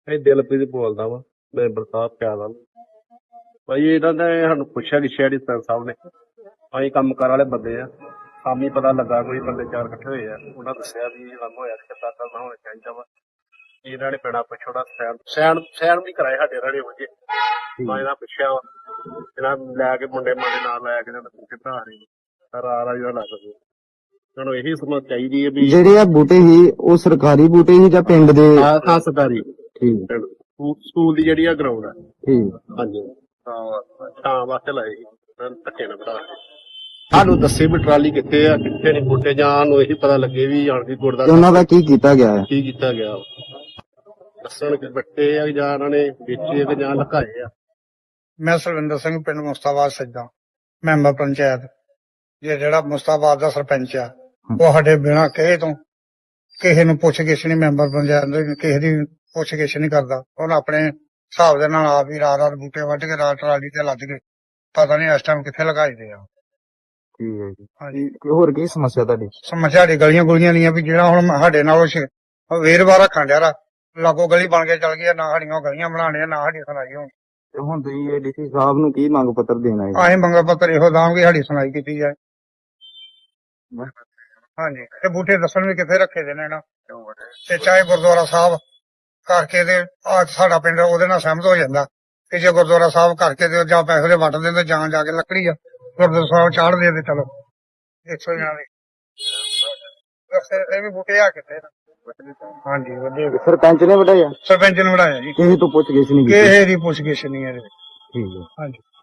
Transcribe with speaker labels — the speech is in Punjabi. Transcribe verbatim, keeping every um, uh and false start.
Speaker 1: ਇਹ ਦਿਲਪ੍ਰੀਤ ਬੋਲਦਾ ਵਾ ਮੈਂਬਰ ਸਾਹਿਬ ਪਿਆਦਾ ਭਾਈ ਇਹਨਾਂ ਨੇ ਸਾਨੂੰ ਪੁੱਛਿਆ ਕਿ ਸ਼ਹਿਰੀ ਸਰ ਸਾਹਿਬ ਨੇ ਅਸੀਂ ਕੰਮ ਕਾਰ ਵਾਲੇ ਬੰਦੇ ਆ ਸ਼ਾਮੀ ਪਤਾ ਲੱਗਾ ਕੋਈ ਬੰਦੇ ਚਾਰ ਇਕੱਠੇ ਹੋਏ ਆ ਉਹਨਾਂ ਦੱਸਿਆ ਵੀ ਕੰਮ ਹੋਇਆ ਕਿ ਸਾਡਾ ਨਾ ਹੋਣਾ ਚਾਹੀਦਾ ਵਾ ਇਹਨਾਂ ਨੇ ਪੈਣਾ ਪਿਛੋੜਾ ਸੈਨ ਸੈਨ ਸੈਨ ਵੀ ਕਰਾਏ ਸਾਡੇ ਰੜੇ ਵਜੇ ਮੈਂ ਇਹਨਾਂ ਪੁੱਛਿਆ ਵਾ ਇਹਨਾਂ ਲੈ ਕੇ ਮੁੰਡੇ ਮਾਡੇ ਨਾਲ ਲੈ ਕੇ ਕਿੱਦਾਂ ਆ ਰਹੀ ਸਰ ਆ ਰਹਾ ਜਿਹੜਾ ਲੱਗਦਾ ਤੁਹਾਨੂੰ ਇਹੀ ਸਮਝ ਚਾਹੀਦੀ ਹੈ ਵੀ
Speaker 2: ਜਿਹੜੇ ਆ ਬੂਟੇ ਸੀ ਉਹ ਸਰਕਾਰੀ ਬੂਟੇ ਸੀ ਜਾਂ ਪਿੰਡ ਦੇ?
Speaker 1: ਹਾਂ ਸਰਕਾਰੀ
Speaker 2: ਠੀਕ
Speaker 1: ਸਕੂਲ ਦੀ ਜਿਹੜੀ ਆ ਗਰਾਊਂਡ ਆ
Speaker 2: ਠੀਕ
Speaker 1: ਹਾਂਜੀ ਛਾਂ ਵਾਸਤੇ ਲਾਏ ਸੀ ਧੱਕੇ ਨਾਲ ਬਣਾ ਸਾਨੂੰ ਦੱਸੇ ਵੀ ਟਰਾਲੀ ਕਿੱਥੇ ਆ ਕਿੱਥੇ ਨਹੀਂ ਬੂਟੇ ਜਾਂ ਨੂੰ ਇਹੀ ਪਤਾ ਲੱਗੇ ਵੀ ਜਾਣ ਦੀ ਗੁੜ ਦਾ
Speaker 2: ਉਹਨਾਂ ਦਾ ਕੀ ਕੀਤਾ ਗਿਆ ਹੈ?
Speaker 1: ਕੀ ਕੀਤਾ ਗਿਆ ਦੱਸਣ ਕਿ ਬੱਟੇ ਆ ਜਾਂ ਉਹਨਾਂ ਨੇ ਵੇਚੇ ਕਿ ਜਾਂ ਲੁਕਾਏ ਆ।
Speaker 3: ਮੈਂ ਸਰਵਿੰਦਰ ਸਿੰਘ ਪਿੰਡ ਮੁਸਤਾਬਾਦ ਸੱਜਾ ਮੈਂਬਰ ਪੰਚਾਇਤ। ਇਹ ਜਿਹੜਾ ਮੁਸਤਾਬਾਦ ਦਾ ਸਰਪੰਚ ਆ ਉਹ ਸਾਡੇ ਬਿਨਾਂ ਕਹੇ ਤੋਂ ਕਿਸੇ ਨੂੰ ਪੁੱਛ ਗਿੱਛ ਨਹੀਂ, ਮੈਂਬਰ ਪੰਚਾਇਤ ਦੇ ਕਿਸੇ ਦੀ ਪੁੱਛ ਗਿੱਛ ਨਹੀਂ ਕਰਦਾ। ਉਹਨੇ ਆਪਣੇ ਹਿਸਾਬ ਦੇ ਨਾਲ ਆਪ ਹੀ ਰਾਤ ਰਾਤ ਬੂਟੇ ਵੱਢ ਕੇ ਰਾਤ ਟਰਾਲੀ ਤੇ ਲੱਦ ਕੇ ਪਤਾ ਨਹੀਂ ਇਸ ਟਾਈਮ ਕਿੱਥੇ ਲਗਾਈਦੇ ਆ।
Speaker 2: ਠੀਕ ਹੈ ਜੀ।
Speaker 3: ਹਾਂਜੀ
Speaker 2: ਹੋਰ ਕੀ ਸਮੱਸਿਆ ਤੁਹਾਡੀ?
Speaker 3: ਸਮੱਸਿਆ ਸਾਡੀ ਗਲੀਆਂ ਗੁਲੀਆਂ ਦੀਆਂ ਵੀ ਜਿਹੜਾ ਹੁਣ ਸਾਡੇ ਨਾਲ ਉਹ ਵੇਰਵਾਰ ਰੱਖਣ ਡਿਆ ਰਾ ਲਾਗੋ ਗਲੀ ਬਣ ਕੇ ਚੱਲ ਗਈ, ਨਾ ਸਾਡੀਆਂ ਗਲੀਆਂ ਬਣਾਉਣੀਆਂ ਨਾ ਸਾਡੀ ਸੁਣਾਈ ਹੋਣੀ।
Speaker 2: ਤੇ ਹੁਣ ਤੁਸੀਂ ਇਹ ਡੀਸੀ ਸਾਹਿਬ ਨੂੰ ਕੀ ਮੰਗ ਪੱਤਰ ਦੇਣਾ ਹੈ?
Speaker 3: ਅਸੀਂ ਮੰਗਾ ਪੱਤਰ ਇਹੋ ਦਾਂਗੇ ਸਾਡੀ ਸੁਣਾਈ ਕੀਤੀ ਜਾਏ। ਹਾਂਜੀ ਇਹ ਬੂਟੇ ਦੱਸਣ ਵੀ ਕਿੱਥੇ ਰੱਖੇ ਦੇ ਨੇ ਨਾ, ਤੇ ਚਾਹੇ ਗੁਰਦੁਆਰਾ ਸਾਹਿਬ ਕਰਕੇ ਤੇ ਆ ਸਾਡਾ ਪਿੰਡ ਉਹਦੇ ਨਾਲ ਸਹਿਮਤ ਹੋ ਜਾਂਦਾ ਕਿ ਜੇ ਗੁਰਦੁਆਰਾ ਸਾਹਿਬ ਕਰਕੇ ਤੇ ਜਾਂ ਪੈਸੇ ਦੇ ਵੰਡ ਦਿੰਦੇ ਜਾਂ ਜਾ ਕੇ ਲੱਕੜੀ ਆ ਗੁਰਦੁਆਰਾ ਸਾਹਿਬ ਚਾੜ ਦੇ ਤੇ ਚਲੋ ਇੱਕ ਸੌ ਜਣਾ ਦੇ ਇਹ ਵੀ ਬੂਟੇ ਆ ਕਿੱਥੇ ਨਾ। ਹਾਂਜੀ ਵਧੀਆ
Speaker 2: ਸਰਪੰਚ ਨੇ ਵਢਾਇਆ?
Speaker 3: ਸਰਪੰਚ ਨੇ ਵਢਾਇਆ ਜੀ,
Speaker 2: ਕਿਸੇ ਤੋਂ ਪੁੱਛ ਗਿੱਛ ਨਹੀਂ ਕੀਤੀ?
Speaker 3: ਕਿਸੇ ਦੀ ਪੁੱਛ ਗਿੱਛ ਨਹੀਂ ਇਹਦੇ।
Speaker 2: ਠੀਕ ਹੈ।
Speaker 3: ਹਾਂਜੀ।